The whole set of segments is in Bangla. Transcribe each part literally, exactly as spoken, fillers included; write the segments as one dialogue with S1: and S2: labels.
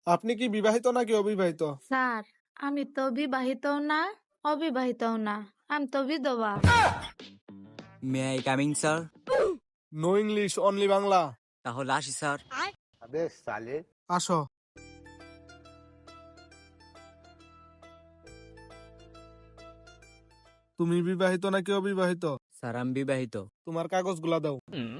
S1: আপনি কি বিবাহিত নাকি অবিবাহিত?
S2: স্যার, আমি তো বিবাহিতও না অবিবাহিতও না, আমি তো বিধবা।
S3: May I coming sir?
S1: No English, only Bangla.
S3: তাহলে আসি স্যার।
S1: আসো। তুমি বিবাহিত নাকি অবিবাহিত?
S3: স্যার আমি বিবাহিত।
S1: তোমার কাগজগুলা দাও।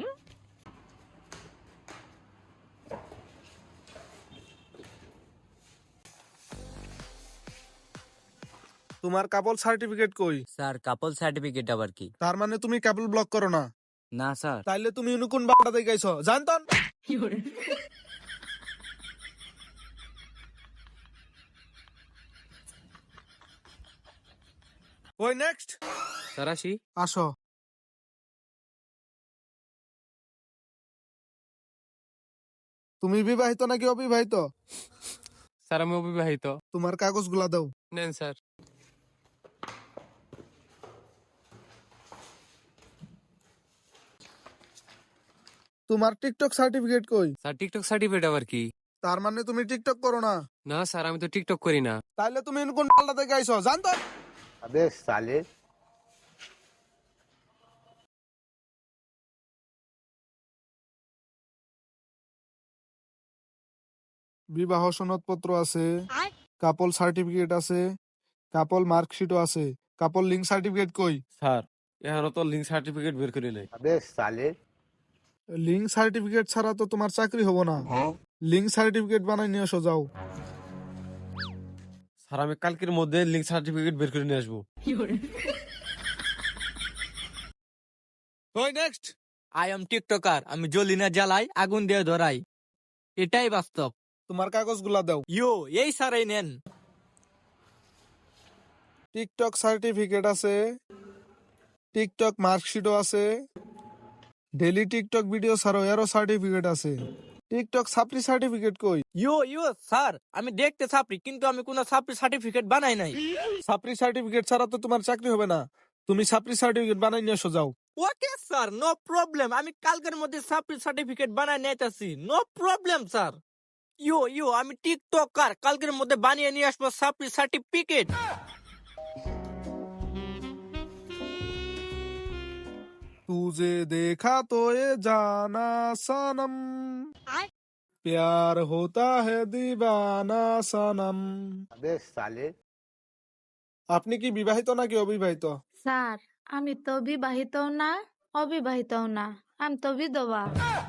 S1: তোমার কাপল সার্টিফিকেট কই?
S3: স্যার কাপল সার্টিফিকেট আবার কি?
S1: তার মানে তুমি কাপল ব্লক করো না?
S3: না স্যার।
S1: তাইলে তুমি কোন বাড়া দেখাইছো জানতন? ওই নেক্সট।
S3: স্যার আসি।
S1: আসো। তুমি বিবাহিত নাকি অবিবাহিত?
S4: স্যার আমি অবিবাহিত।
S1: তোমার কাগজগুলা দাও।
S4: নেন স্যার।
S1: তোমার টিকটক সার্টিফিকেট কই?
S4: স্যার টিকটক সার্টিফিকেট আবার কি?
S1: তার মানে তুমি টিকটক করো না?
S4: না স্যার আমি তো টিকটক করি না।
S1: তাইলে তুমি কোন বাড়া দেখাইছো জানতন?
S5: अबे साले।
S1: বিবাহ সনদপত্র আছে, কাপল সার্টিফিকেট আছে, কাপল মার্কশিটও আছে। কাপল লিঙ্ক সার্টিফিকেট কই?
S4: স্যার এখনো তো লিঙ্ক সার্টিফিকেট বের করি নাই।
S5: अबे साले।
S1: লিঙ্ক সার্টিফিকেট ছাড়া তো তোমার চাকরি হবো না। লিঙ্ক সার্টিফিকেট বানাই নিয়ে আসো যাও।
S4: স্যার আমি কালকের মধ্যে লিঙ্ক সার্টিফিকেট বের করে নিয়ে আসবো।
S1: ওই নেক্সট।
S6: আই এম টিকটকার, আমি জ্বলি না জ্বালাই, আগুন দিয়ে ধরাই, এটাই বাস্তব।
S1: তোমার কাগজগুলা দাও।
S6: ইয়ো এই স্যারাই নেন।
S1: টিকটক সার্টিফিকেট আছে, টিকটক মার্কশিটও আছে, ডেলি টিকটক ভিডিও ছাড়ো এরও সার্টিফিকেট আছে। টিকটক সাপ্লি সার্টিফিকেট কই?
S6: ইয়ো ইয়ো স্যার, আমি দেখতে ছাপরি কিন্তু আমি কোনো ছাপরি সার্টিফিকেট বানাই নাই।
S1: সাপ্লি সার্টিফিকেট ছাড়া তো তোমার চাকরি হবে না। তুমি সাপ্লি সার্টিফিকেট বানাই নিয়ে আসো যাও।
S6: ওকে স্যার, নো প্রবলেম, আমি কালকের মধ্যে ছাপরি সার্টিফিকেট বানাই নিতেছি, no problem sir. Yo yo আমি টিকটকার, কালকের মধ্যে বানিয়ে নিয়ে আসবো ছাপরি সার্টিফিকেট।
S1: तुझे देखा तो ये जाना सनम, प्यार होता है दीवाना सनम।
S5: अबे साले।
S1: আপনি কি বিবাহিত নাকি অবিবাহিত?
S2: স্যার, আমি তো বিবাহিতও না অবিবাহিতও না, আমি তো বিধবা।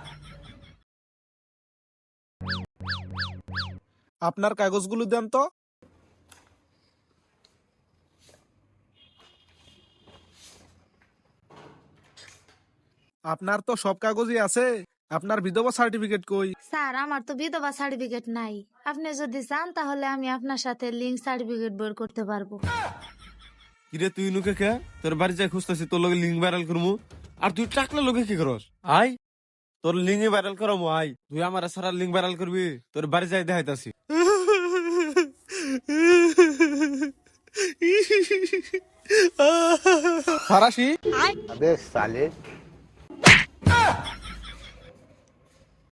S1: আপনার কাগজগুলো দেন তো। আপনার তো সব কাগজই আছে, আপনার বিধবা সার্টিফিকেট কই?
S2: স্যার, আমার তো বিধবা সার্টিফিকেট নাই। আপনি যদি চান তাহলে আমি আপনার সাথে লিঙ্ক সার্টিফিকেট বের করতে পারবো।
S4: কিরে তুই নুকে কে? তোর বাড়ি যাই খুঁজতেছি তোর লগে লিঙ্ক ভাইরাল করবো। আর তুই টাকলা লগে কি করস? আই তোর লিঙ্ক ভাইরাল করামু। আই তুই আমার সারা লিঙ্ক ভাইরাল করবি, তোর বাড়ি যাই দেখাইতাছি।
S1: ফারাসি।
S5: अबे साले।